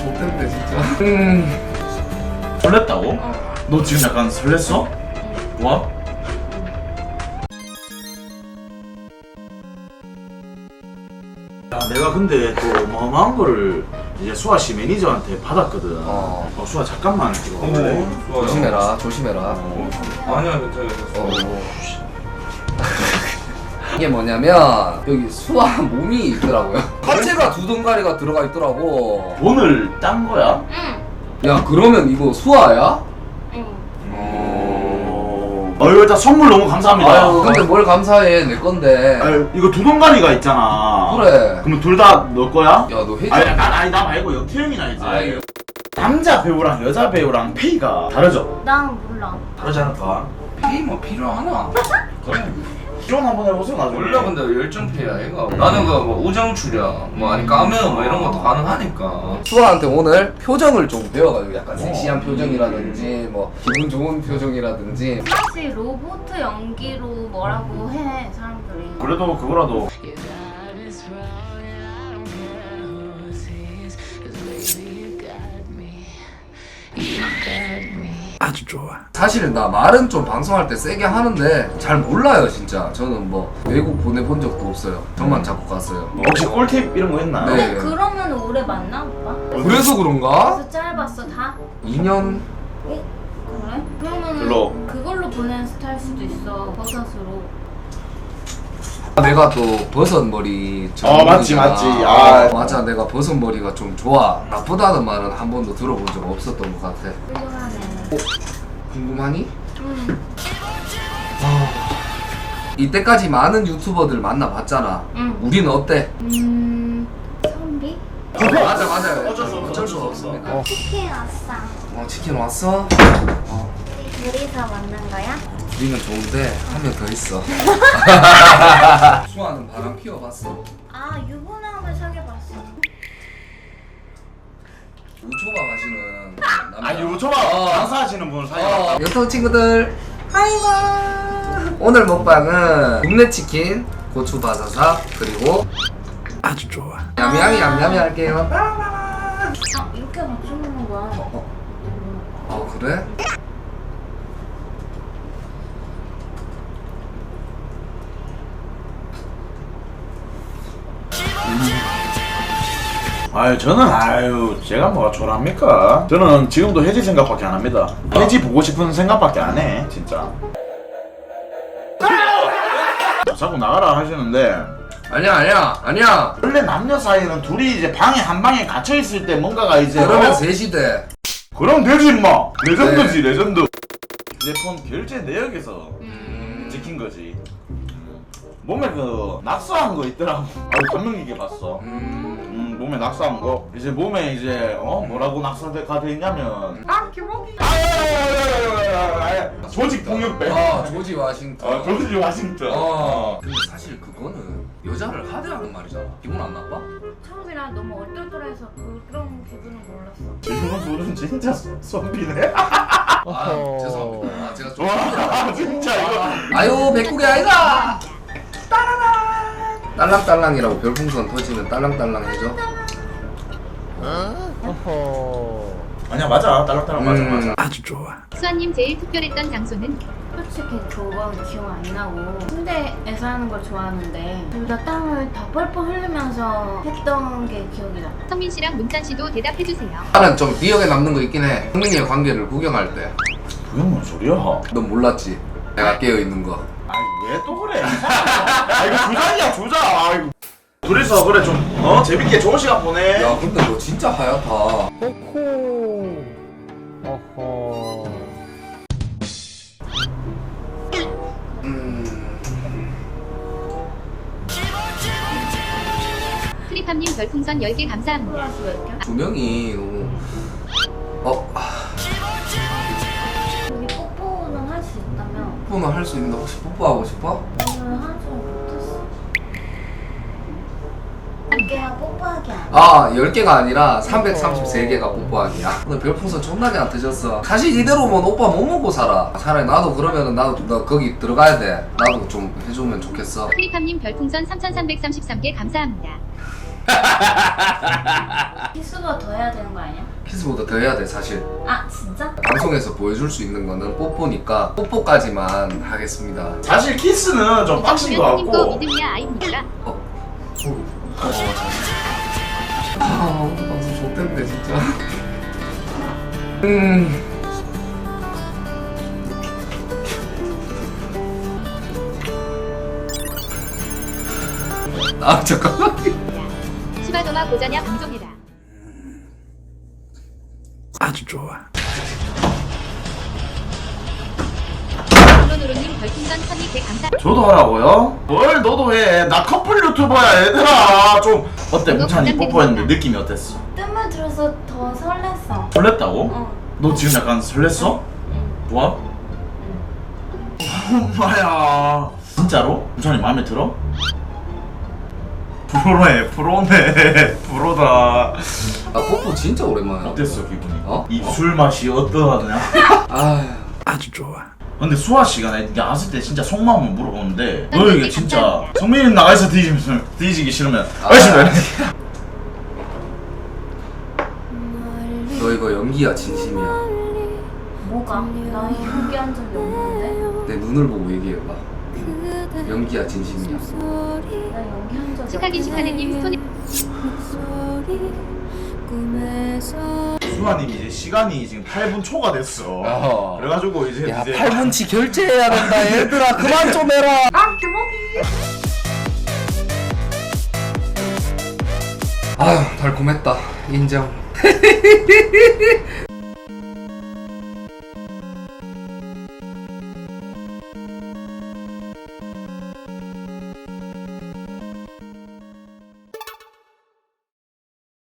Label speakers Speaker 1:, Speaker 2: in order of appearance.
Speaker 1: 좋던데 진짜.
Speaker 2: 설렜다고? 너 지금 약간 설렜어? 와? 야, 내가 근데 또 어마어마한 거를 이제 수아씨 매니저한테 받았거든. 수아 잠깐만 이거.
Speaker 1: 조심해라, 조심해라.
Speaker 3: 아니야 괜찮아.
Speaker 1: 이게 뭐냐면 여기 수아 몸이 있더라고요. 하체가 두 덩가리가 들어가 있더라고.
Speaker 2: 돈을 딴 거야?
Speaker 4: 응.
Speaker 1: 야 그러면 이거 수아야?
Speaker 4: 응.
Speaker 2: 일단 선물 너무 감사합니다.
Speaker 1: 아유 근데 뭘 감사해, 내 건데.
Speaker 2: 아유, 이거 두 동가리가 있잖아.
Speaker 1: 그래.
Speaker 2: 그러면 둘 다 너 거야?
Speaker 1: 야 너 회장.
Speaker 2: 아니 나 말고 역태형이나 이제.
Speaker 1: 아유.
Speaker 2: 남자 배우랑 여자 배우랑 페이가 다르죠?
Speaker 4: 난 몰라.
Speaker 2: 다르지 않을까?
Speaker 3: 페이 뭐 필요하나? 그래.
Speaker 2: 실험 한번 해보세요 나중에.
Speaker 3: 원래 근데 열정페이야 얘가. 나는 그 뭐 우정 출연, 뭐 아니 까메오 뭐 이런 것도 가능하니까.
Speaker 1: 수아한테 오늘 표정을 좀 배워가지고 약간 섹시한 표정이라든지 뭐 기분 좋은 표정이라든지.
Speaker 4: 사실 로봇 연기로 뭐라고 해 사람들이.
Speaker 2: 그래도 그거라도 아주 좋아.
Speaker 1: 사실 나 말은 좀 방송할 때 세게 하는데 잘 몰라요 진짜. 저는 뭐 외국 보내본 적도 없어요. 저만 자꾸 갔어요.
Speaker 2: 혹시 꿀팁 이런 거 있나요?
Speaker 1: 네.
Speaker 4: 그러면 오래 만나 오빠?
Speaker 1: 그래서 그런가?
Speaker 4: 그래서 짧았어 다?
Speaker 1: 2년?
Speaker 4: 어? 그래? 그러면
Speaker 2: 별로.
Speaker 4: 그걸로 보낸 스타일 수도 있어 버섯으로.
Speaker 1: 내가 또 버섯 머리
Speaker 2: 맞지,
Speaker 1: 전문이잖아.
Speaker 2: 맞지. 아.
Speaker 1: 맞아, 내가 버섯 머리가 좀 좋아. 나쁘다는 말은 한 번도 들어본 적 없었던 것 같아.
Speaker 4: 훌륭하네.
Speaker 1: 궁금하니?
Speaker 4: 응.
Speaker 1: 이때까지 많은 유튜버들 만나봤잖아.
Speaker 4: 응.
Speaker 1: 우리는 어때?
Speaker 4: 선비?
Speaker 1: 맞아.
Speaker 2: 어쩔 수 없어.
Speaker 4: 치킨 왔어.
Speaker 1: 치킨 왔어?
Speaker 4: 둘이서 만난 거야?
Speaker 1: 우리는 좋은데 한 명 더 있어. 수아는 바람 피워봤어?
Speaker 4: 아 유부남을 사귀어봤어.
Speaker 1: 우초가 마시는 남자.
Speaker 2: 유초밥 장사하시는 분을 사귀었다.
Speaker 1: 유튜브 친구들, 아이고. 오늘 먹방은 굽네 치킨, 고추 바사삭, 그리고
Speaker 2: 아주 좋아.
Speaker 1: 얌얌이 할게요.
Speaker 4: 아 이렇게 같이 먹는 거야?
Speaker 1: 그래?
Speaker 2: 저는 제가 뭐가 초라합니까? 저는 지금도 혜지 생각밖에 안 합니다. 혜지 보고 싶은 생각밖에 안 해, 진짜. 자꾸 나가라 하시는데
Speaker 1: 아니야.
Speaker 2: 원래 남녀 사이는 둘이 이제 방에 한 방에 갇혀 있을 때 뭔가가 이제
Speaker 1: 그러면 셋이 돼.
Speaker 2: 그럼 되지 임마. 레전드지 레전드. 휴대폰 결제 내역에서 찍힌 거지. 몸에 그 낙서한 거 있더라고. 감명 깊게 봤어. 몸에 낙서한 거. 이제 몸에 이제 뭐라고 낙서가 돼 있냐면 김호기. 조직 폭력배.
Speaker 1: 조지 워싱턴.
Speaker 2: 조지 워싱턴.
Speaker 1: 근데 사실 그거는 여자를 하대하는 말이잖아. 기분 안 나빠?
Speaker 4: 처음이라 너무 얼떨떨해서 그런 기분은 몰랐어.
Speaker 2: 지금 소리는 진짜 선비네.
Speaker 1: 죄송합니다. 제가 좀.
Speaker 2: 와 진짜 이거.
Speaker 1: 아유 백국이 아이가. 딸랑딸랑이라고 별풍선 터지면 딸랑딸랑 해줘.
Speaker 2: 아니야 맞아 딸랑딸랑 맞아. 아주 좋아.
Speaker 5: 수아님 제일 특별했던 장소는?
Speaker 4: 솔직히 그건 기억 안 나고 침대에서 하는 걸 좋아하는데 둘 다 땀을 다 뻘뻘 흘리면서 했던 게 기억이 나.
Speaker 5: 성민 씨랑 문찬 씨도 대답해주세요.
Speaker 1: 나는 좀 기억에 남는 거 있긴 해. 성민이의 관계를 구경할 때.
Speaker 2: 그게 뭔 소리야?
Speaker 1: 넌 몰랐지? 내가 깨어 있는 거.
Speaker 2: 왜 또 그래? 이거 주장이야 주장. 아이고. 둘이서 그래 좀 재밌게 좋은 시간 보내.
Speaker 1: 야 근데 너 진짜 하얗다.
Speaker 5: 트리팜님 별풍선 10개 감사합니다.
Speaker 4: 플러스 몇 개?
Speaker 1: 두 명이 너무
Speaker 4: 여기 뽀뽀는 할 수 있다면
Speaker 1: 뽀뽀는 할 수 있는데 혹시 뽀뽀하고 싶어?
Speaker 4: 오늘 하지 못했어. 10개야 뽀뽀하기 아니야.
Speaker 1: 10개가 아니라 333개가 뽀뽀하기야. 오늘 별풍선 존나게 안 터졌어. 사실 이대로면 오빠 못 먹고 살아. 차라리 나도 그러면은 나도 너 거기 들어가야 돼. 나도 좀 해주면 좋겠어.
Speaker 5: 트리팜님 별풍선 3333개 감사합니다.
Speaker 4: 키스보다 더 해야 되는 거 아니야?
Speaker 1: 키스보다 더 해야 돼 사실.
Speaker 4: 아 진짜?
Speaker 1: 방송에서 보여줄 수 있는 거는 뽀뽀니까 뽀뽀까지만 하겠습니다.
Speaker 2: 사실 키스는 좀 빡신 것
Speaker 5: 님도
Speaker 2: 같고
Speaker 5: 믿음이야 아입니까?
Speaker 1: 방송 좋댔네 진짜. 아 잠깐만.
Speaker 5: 시바도마 고자냐 방종해라.
Speaker 1: 아주 좋아.
Speaker 5: 노노로님 별풍선 1200 감사.
Speaker 2: 저도 하라고요? 뭘 너도 해. 나 커플 유튜버야 얘들아. 좀 어때? 문찬이 뽀뽀했는데 느낌이 어땠어?
Speaker 4: 뜸을 들어서 더 설렜어.
Speaker 2: 설렜다고?
Speaker 4: 어.
Speaker 2: 너 지금 약간 설렜어?
Speaker 4: 응.
Speaker 2: 좋아? 엄마야. 진짜로? 문찬이 마음에 들어? 프로네 프로다.
Speaker 1: 아 뽀뽀 진짜 오랜만에.
Speaker 2: 어땠어 기분이?
Speaker 1: 어?
Speaker 2: 입술 맛이 어떠하냐?
Speaker 1: 아 아주 좋아.
Speaker 2: 근데 수아 씨가 나 나왔을 때 진짜 속마음을 물어보는데
Speaker 5: 아니,
Speaker 2: 너에게 진짜 성민이 나가서 뒤지기 싫으면
Speaker 1: 아,
Speaker 2: 알겠습니다.
Speaker 1: 너 이거 연기야 진심이야?
Speaker 4: 뭐가? 나 연기한 적이 없는데?
Speaker 1: 내 눈을 보고 얘기해봐. 연기야 진심이야.
Speaker 4: 나 연기한 적이
Speaker 5: 축하긴 축하네님 스토리.
Speaker 2: 수아님 이제 시간이 지금 8분 초가 됐어.
Speaker 1: 어허.
Speaker 2: 그래가지고 이제
Speaker 1: 야
Speaker 2: 이제
Speaker 1: 8분치 결제해야 된다 얘들아. 그만 좀 해라. 아휴 달콤했다 인정.